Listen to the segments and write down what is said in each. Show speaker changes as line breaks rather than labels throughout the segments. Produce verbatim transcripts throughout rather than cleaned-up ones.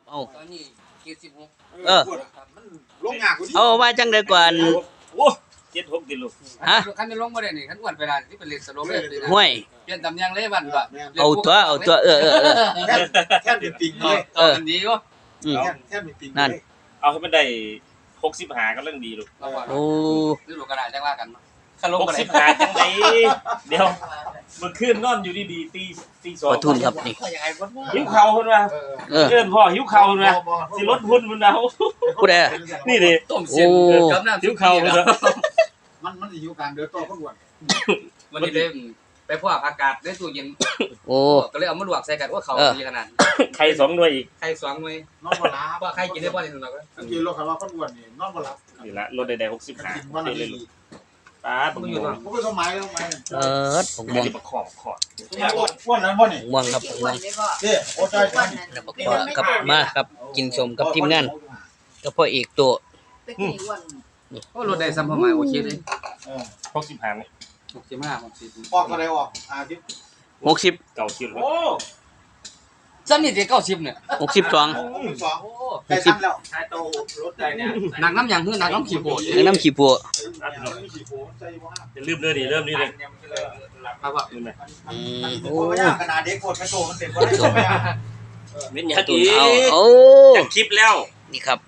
เอา
ตอนนี้เจ็ดสิบหก
เออ
มันลงยากกว่านี้
เอาว่าจังได๋ก่อน
โอ้เจ็ดหกดิลูก
ฮะ
คันได้ลงบ่ได้นี่คันอ้วนไปล่ะสิเป็นเลนสโลว์เลยนะ
ห้วย
เปลี่ยนตำแหน่งเลยบัดบ่
เอาตัวเอาตัวเออเออเออ
แค่แค่เป็นปิงเลย
เออมันดีอยู่
อืม
แค่แค่เป็นปิง
นั่น
เอาให้มันได้หกสิบห้ากำลังดีลูก
โอ้
นี่ลูกกระดาษจังว่ากันคันลง
หก
บ่ได้
สิบห้าจังไดเดี๋ยวเมื่อคืนนอนอยู่ดีๆตีตีสอง
ขอทุนครับนี่
หิวเข่าเพิ่นว่า
เออ
เอิ้นพ่อหิวเข่าเพิ่นว่าสิลดหุ้นเพิ่นเอา
ผู้ใด
นี่ดิ
ต้มเส้นกับน้ำ
หิวเข่าเพิ่นว่า
มันมันอยู่การเดินต่อคนอ้วน
วันนี้เลยไปพวกอากาศในตู้เย็น
โอ้
ก็เลยเอามาลวกใส่กันว่าเขาดีขนาด
ไข่สองหน่วยอีก
ไข่สองหน่วย
นอนบ่หลับ
ว่าไข่กินได้บ่ได้สำหรับ
สังเกตโลกคันว่าคนอ้วนนี่นอนบ่หลับ
นี่ละลดได้หกสิบห้า
กินวันละ
เลย
ที
ลูกป้าดผมอยู่
ผมก็สมัยแล้วไหม
เออผมม่วง
ประขอบขอด
อ้วนอ้วนนั้นบ่นี่
ม่วงครับม่วง
เด้โอ้ใจใจ
แล้วบอกว่าครับมาครับกินสมกับทีมงานกับพ่อเอกตัว
โอ้รถได้ซ้ำพอมาโอเคเลย
เออ
หกสิบห้านี่
หกสิบห้าหกสิบ
ออกอะไรออกอาทิตย์
หกสิบ
เก่าคิว
โอ้
ซ้ำนี่จะเก้าสิบเนี่ย
หกสิบสอง
สอง
โอ้
ใกล้สั้นแล้ว
ใช้โตรถได้เนี่ย
หนักน้ำอย่างคือหนักน้ำขี้โบด
แล้วน้ำขี้ปัว
จะลืมเลยดิเริ่มนี่เลย
ครับว่า
ลืมเลย
อืม
โอ้
โอ้
ยขนาดเด็กกดไม่โตมันเป็นบ่ได้ไม่ได้
เม้น
ก
ยั
ระ
ก
ตุน
อี
เอาโอ้
จากคลิปแล้ว
นี่ครับ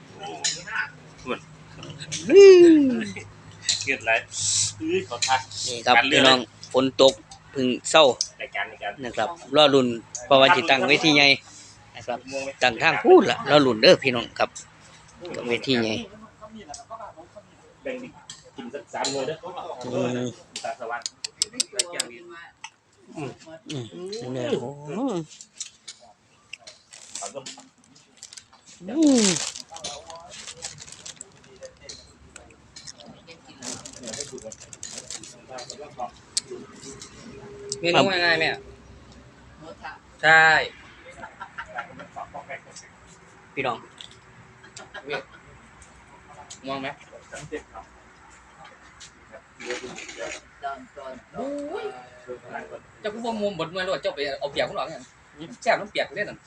เกิดอะไรอื้อขอทัก
นี่ครับพี่น้องฝนตกพึ่งเศร้า
ในการในการ
นะครับรอรุ่นเพราะว่าจิตั้งเวทีใหญ่นะครับตั้งทางพูดล่ะรอรุ่นเด้อพี่น้องครับกับเวทีใหญ่
แบ่งกินสักสามหน่วยเด้อ
อืม
ตาสว่าง
อืมเนี่ยโอ้อืม
เมนูง่ายๆแม่ใช่
พี่น้อง
มองไหมเจ้ากูบ่มุมบดมาโลดเจ้าไปเอาเปียกของหลังเนี่ยแซ่บน้ำเปียกเล่นนั่น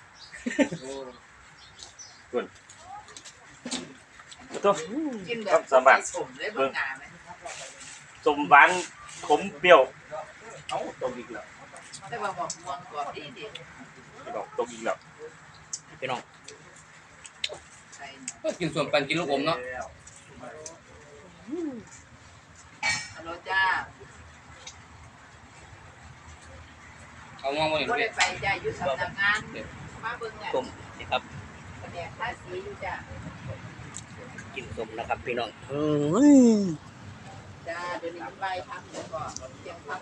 ตัว
กินแบบสมเลยบางงานไหม
สมหวานขมเปรี้ยวเอ้าตกอีกแล้ว
แต่ว่าบอกม่วงกรอบดีดี
ไม่บอกตกอีกแล้ว
พี่น้อง
ใส่
ก็กินส่วนปันกินลูกอมเนาะ
ฮัลโหลจ้า
เอามองมาเห็น
บ่
เล
ได้
ย
ไปจ้าอยู่สำนักงานมาเบิ่งเนี่ย
ส้มนี่ครับ
แผนกภาษีอยู่จ้า
กินส้มนะครับพี่น้องอืม
จ้าเดี๋ยวนี้ใบทำเดี๋ยวก่อนเสียงพัก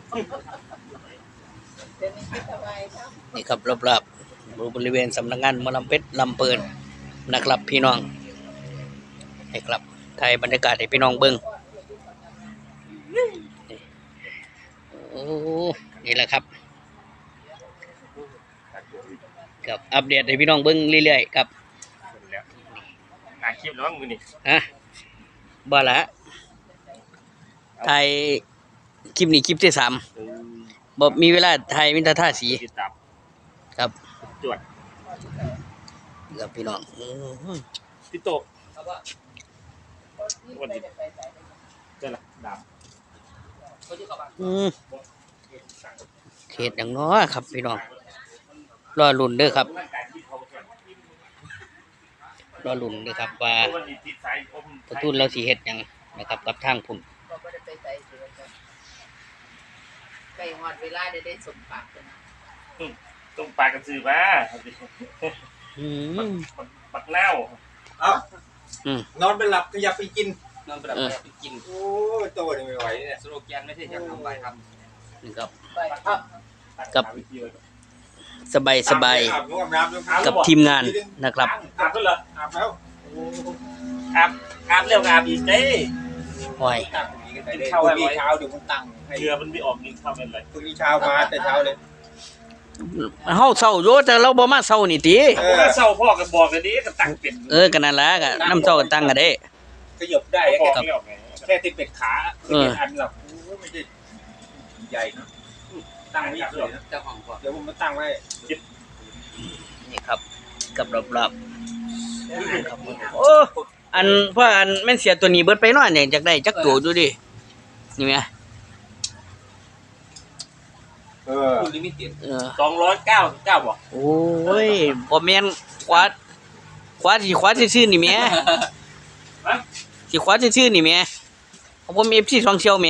เดี๋ยวนี้คิดสบายครับ
นี่ครับรอบๆบริเวณสำนักงานหมอลำเพชรลำเปินนะครับพี่น้องนี่ครับถ่ายบรรยากาศให้พี่น้องเบิ่งโอ้นี่แหละครับกับอัปเดตให้พี่น้องเบิ่งเรื่อยๆครับ
แล้วอ่านคลิปแล้วมั้งมือนี่
ฮะบ่ละถ่ายคลิปนี้คลิปที่สามบ่มีเวลาถ่ายมิตรท่าสี
ติดตาม
ครับ
จวด
กับพี่น้องอืม
พี่โตวันนี้เจ้าละดาบ
อืมเขตอย่างน้อครับพี่น้องรอลุ่นเด้อครับรอลุ่นเด้อครับว่าประตูเราสิเฮ็ดหยังนะครับกับทางพุ่น
บ่ได้ไปใส่เสือจ้าไปฮอดเวลาได้ได้สมปากกันนะ
ต้มปลากระสือมา
อืม
ปักเน่า
เอ้านอนไปหลับก็อย่าไปกิน
นอนไปแบบไปกิน
โอ้ยโตนี่ไม่ไหวเนี่ย
สโลแกนไม่ใช่จะทำใบท
นี่ครับ
ไป
กับสบายสบาย
อาบน้ำน้ำ
กับทีมงานนะครับ
อาบก็เหรอ
อาบแล้ว
อาบอาบเร็วอาบอีกเด้
โอ้ย
ตั้งนี้กันไปเลยพรุ่งนี้เช้าเดี๋ยวผมตั้งให้
เรือมันไม่ออกกินข้าวเป็นไร
พรุ่งนี้เช้ามาแต่เช้าเลย
เฮาเศร้าอยู่แต่เราบ่มาเศร้านี่ติ
เออ
ถ้าเศร้าพ่อกันบอกกันนี้ก็ตั้งเป็น
เออก็นั่นล่ะก็นำเศร้ากันตั้งกันเด้
ขยับได้
บอก
แค่
แล้วไง
แค่ติดเป็ดขาติดเป็ดอันหรอกโอ้ไม่ใช่ใหญ่นะตั้งไว้เฉยนะ
ำเจ้าของก่อน
เดี๋ยวผมมาตั้งไว้
นี่ครับกับรอบๆครับโอ้อันเพราะอันแม่นเสียตัวนี้เบิดไปเนาะเนี่ยจักได้จักตัวดูดินี่แหม
เออ
คุณลิมิเต็ด
เออ
สองร้อยเก้าสิบเก้าบ่
โอ้ยบ่แม่นขวาขวาสิขวาซื่อๆนี่แหม่สิขวาซื่อๆนี่แหม่ของผม เอฟ ซี ช่องเชียวแหม่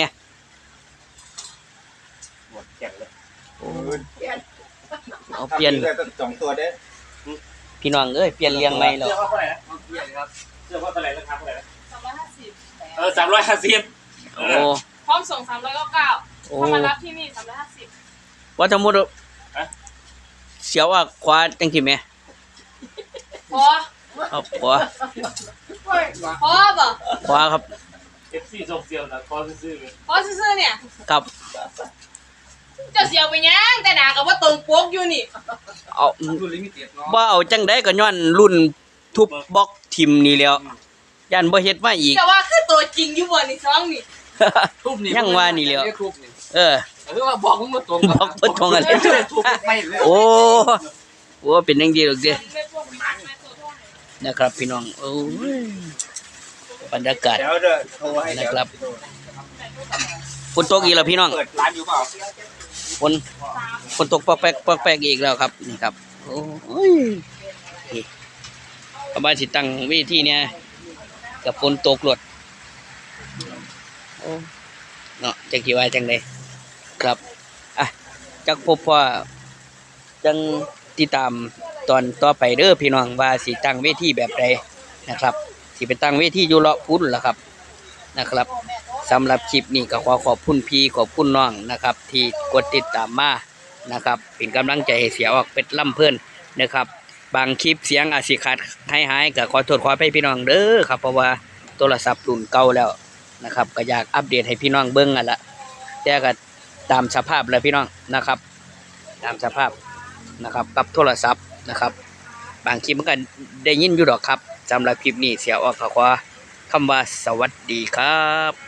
หมดแข่งเลย
โอ้ยเอาเปลี่ยน
ได้ตั้งสองตัวเด้
พี่น้องเอ้ยเปลี่ยนเลี้ยงใหม่แล้ว
เสื้อผ้าเท่าไหร่นะ
เยี่ยครับ
เสื้อผ้าเท่าไหร่ราคาเท่าไหร่นะ
สองร้อยห้าสิบ
เออสามร้อยห้าสิบ
โอ้
พร้อมส่งสามร้อยเก้าเก้า
โอ้
ถ้ามารับที่นี่สามร้อยห้าสิบ
ว่าทั้งหมดเสียวว่าขวาจังซี่แหม่
พอ
เอาขวา
พอบ่
ขวาครับ
เอฟซีส่งเซียวนะคอซื้อๆเลย
พอซื่อๆเนี่ย
ครับ
เจ้าเสียวไปยังแต่หนากับว่าตรงปกอยู่นี่
เอา
คุณลิมิเต็ดเนาะ
บ่เอาจังได๋ก็ย้อนรุ่นทุบบล็อกทิมนี่แหล้วย่านบ่เฮ็ดมาอีก
แต่ว่าคือตัวจริงอยู่บ่นี่ซองนี่
ทุบนี่
ยังว่านี่แหล้ว
ทุบนี่
เออ
เออว่าบอกมึงมาตรง
บอกบ่ตรงอะไร
ทุบไม่เลย
โอ้โอ้เป็นจังซี่ดอกเด้
ไม่พวกมันไม่ตัวเท่าไหร่
นะครับพี่น้องโอ้ยบรรยากาศ
เดี๋ยวเด้อโทรให้เดี๋ยว
นะครับ ฝนตกอีกแล้วพี่น้อง
เปิดร้านอยู่เปล่า
ฝนฝนตกปอกแป๊กปอกแป๊กอีกแล้วครับนี่ครับโอ้ยนี่ประมาณสิตั้งเวทีเนี่ยกับฝนตกหลดโอ้เนาะจังกี่ว่าจังไดครับอ่ะจักพบว่าจังติดตามตอนต่อไปเด้อพี่น้องว่าสิตั้งเวทีแบบใดนะครับสิไปตั้งเวทีอยู่เลาะพุ่นล่ะครับนะครับสำหรับคลิปนี้ก็ขอขอบคุณพี่ขอบคุณน้องนะครับ ที่กดติดตามมานะครับเป็นกำลังใจให้เสียออกเป็ดล่ำเพื่อนนะครับ บางคลิปเสียงอาจสิขาดหายหายก็ขอโทษขออภัยพี่น้องเด้อครับเพราะว่าโทรศัพท์รุ่นเก่าแล้วนะครับก็อยากอัปเดตให้พี่น้องเบิ่งอ่ะละแต่ก็ตามสภาพแล้วพี่น้องนะครับ ตามสภาพนะครับกับโทรศัพท์นะครับ บางคลิปมันก็ได้ยินอยู่ดอกครับสำหรับคลิปนี้เสียออกก็ขอคำว่าสวัสดีครับ